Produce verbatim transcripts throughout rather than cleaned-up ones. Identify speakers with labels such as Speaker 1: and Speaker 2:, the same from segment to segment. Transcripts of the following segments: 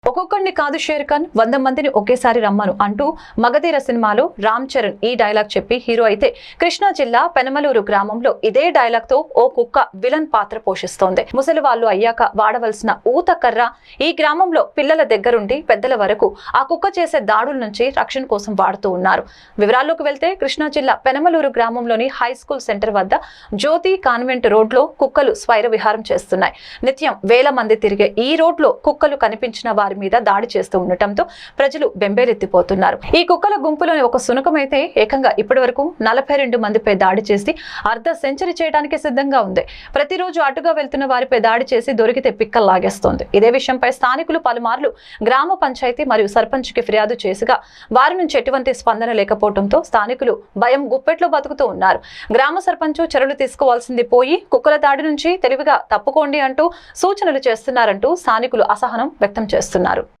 Speaker 1: ఒక్కొక్కడిని కాదు షేర్ ఖాన్ వంద మందిని ఒకేసారి రమ్మను అంటూ మగధీర సినిమాలో రామ్ చరణ్ ఈ డైలాగ్ చెప్పి హీరో అయితే కృష్ణా జిల్లా పెనమలూరు గ్రామంలో ఇదే డైలాగ్ తో ఓ కుక్క విలన్ పాత్ర పోషిస్తోంది. ముసలి వాళ్ళు అయ్యాక వాడవలసిన ఊత కర్ర ఈ గ్రామంలో పిల్లల దగ్గరుండి పెద్దల వరకు ఆ కుక్క చేసే దాడుల నుంచి రక్షణ కోసం వాడుతూ ఉన్నారు. వివరాల్లోకి వెళ్తే కృష్ణా జిల్లా పెనమలూరు గ్రామంలోని హై స్కూల్ సెంటర్ వద్ద జ్యోతి కాన్వెంట్ రోడ్ లో కుక్కలు స్వైర విహారం చేస్తున్నాయి. నిత్యం వేల మంది తిరిగే ఈ రోడ్ లో కుక్కలు కనిపించిన వారి మీద దాడి చేస్తూ ఉండటంతో ప్రజలు బెంబేలెత్తిపోతున్నారు. ఈ కుక్కల గుంపులోని ఒక శునకమైతే ఏకంగా ఇప్పటి వరకు నలభై రెండు మందిపై దాడి చేసి అర్ధ సెంచరీ చేయడానికి సిద్ధంగా ఉంది. ప్రతిరోజు అటుగా వెళ్తున్న వారిపై దాడి చేసి దొరికితే పిక్కలు లాగేస్తోంది. ఇదే విషయంపై స్థానికులు పలుమార్లు గ్రామ పంచాయతీ మరియు సర్పంచ్ కి ఫిర్యాదు చేసిగా వారి నుంచి ఎటువంటి స్పందన లేకపోవడంతో స్థానికులు భయం గుప్పెట్లో బతుకుతూ ఉన్నారు. గ్రామ సర్పంచ్ చర్యలు తీసుకోవాల్సింది పోయి కుక్కల దాడి నుంచి తెలివిగా తప్పుకోండి అంటూ సూచనలు చేస్తున్నారంటూ స్థానికులు అసహనం వ్యక్తం చేస్తున్నారు.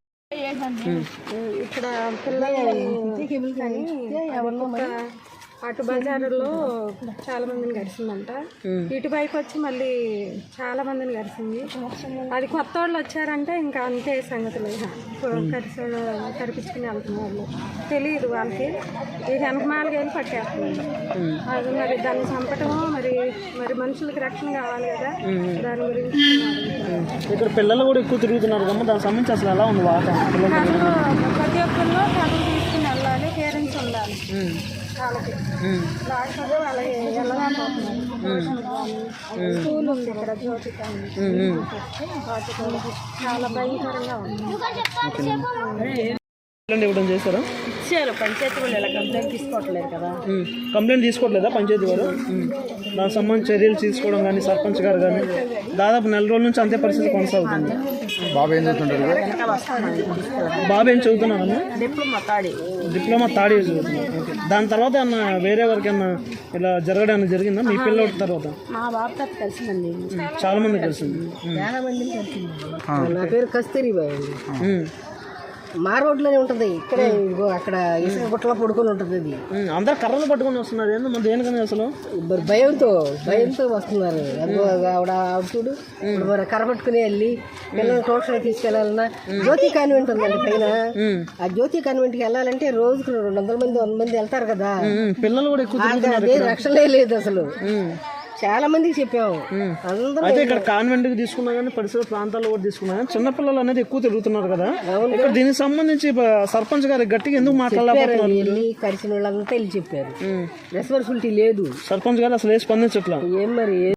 Speaker 2: ఇక్కడ అటు బజారులో చాలా మందిని గడిచిందంట. ఇటువైపు వచ్చి మళ్ళీ చాలా మందిని గడిచింది. అది కొత్త వాళ్ళు వచ్చారంటే ఇంకా అంతే సంగతులు. కరిసి కరిపించుకుని వెళ్తున్న వాళ్ళు తెలియదు వాళ్ళకి. ఈ వెనకమాలకి వెళ్ళి పట్టేస్తున్నారు. అది మరి దాన్ని చంపటము మరి మరి మనుషులకి రక్షణ కావాలి కదా, దాని గురించి.
Speaker 3: ఇక్కడ పిల్లలు కూడా ఎక్కువ తిరుగుతున్నారు కదా, దానికి సంబంధించి అసలు ఎలా ఉంది వాతావరణం?
Speaker 2: ప్రతి ఒక్కరిలో కథలు తీసుకుని వెళ్ళాలి, పేరెంట్స్ ఉండాలి. వాళ్ళకి లేకపోతే వాళ్ళకి వెళ్ళలేకపోతున్నారు. స్కూల్ ఉంది ఇక్కడ జ్యోతి చాలా భయంకరంగా ఉంది.
Speaker 3: ఇవ్వడం చేస్తారా?
Speaker 2: ఇచ్చారు పంచాయతీ వాళ్ళు ఇలా కంప్లైంట్ తీసుకోవట్లేదు కదా.
Speaker 3: కంప్లైంట్ తీసుకోవట్లేదా పంచాయతీ వారు? దానికి సంబంధించి చర్యలు తీసుకోవడం కానీ సర్పంచ్ గారు కానీ దాదాపు నెల రోజుల నుంచి అంతే పరిస్థితి కొనసాగుతుంది.
Speaker 4: బాబు ఏం చదువుతుంటారు?
Speaker 3: బాబు ఏం చదువుతున్నారన్నా?
Speaker 2: డిప్లొమా తాడి
Speaker 3: డిప్లొమా థర్డ్ ఇయర్ చదువుతున్నారు. ఓకే. దాని తర్వాత అన్న వేరే ఎవరికైనా ఇలా జరగడం జరిగిందా మీ పిల్లల తర్వాత?
Speaker 2: మా బాబుతో కలిసిందండి,
Speaker 3: చాలా మంది కలిసింది.
Speaker 2: చాలా మంది కలిసింది. నా పేరు కస్తూరిబాయ్ అండి. మా రోడ్లోనే ఉంటుంది. ఇక్కడే అక్కడ ఇసుక గుట్టలో పడుకొని ఉంటుంది. అది
Speaker 3: అందరు కర్రలు పట్టుకొని వస్తున్నారు. ఏందో మన దేనికని అసలు
Speaker 2: మరి భయంతో భయంతో వస్తున్నారు. అదిగో ఆవిడ ఆవిడ చూడు, ఇప్పుడు మరి కర్ర పట్టుకుని వెళ్ళి పిల్లల్ని ట్యూషన్ తీసుకెళ్లాలన్నా జ్యోతి కాన్వెంట్ ఉందండి పైన. ఆ జ్యోతి కాన్వెంట్ కి వెళ్ళాలంటే రోజుకు రెండు వందల మంది వంద మంది వెళ్తారు కదా.
Speaker 3: పిల్లలు కూడా ఎక్కువ
Speaker 2: అదే రక్షణే లేదు అసలు. చాలా మందికి చెప్పాము. అందరూ
Speaker 3: అయితే ఇక్కడ కాన్వెంట్ కి తీసుకున్నా కానీ పరిసర ప్రాంతాల్లో కూడా తీసుకున్నా కానీ చిన్నపిల్లలు అనేది ఎక్కువ తిరుగుతున్నారు కదా. ఇక్కడ దీనికి సంబంధించి సర్పంచ్ గారి గట్టిగా ఎందుకు మాట్లాడాలి?
Speaker 2: కలిసిన వాళ్ళంతా వెళ్ళి చెప్పారు. రెస్పాన్సిబిలిటీ లేదు.
Speaker 3: సర్పంచ్ గారు అసలు ఏ స్పందించట్లా.
Speaker 2: ఏం మరి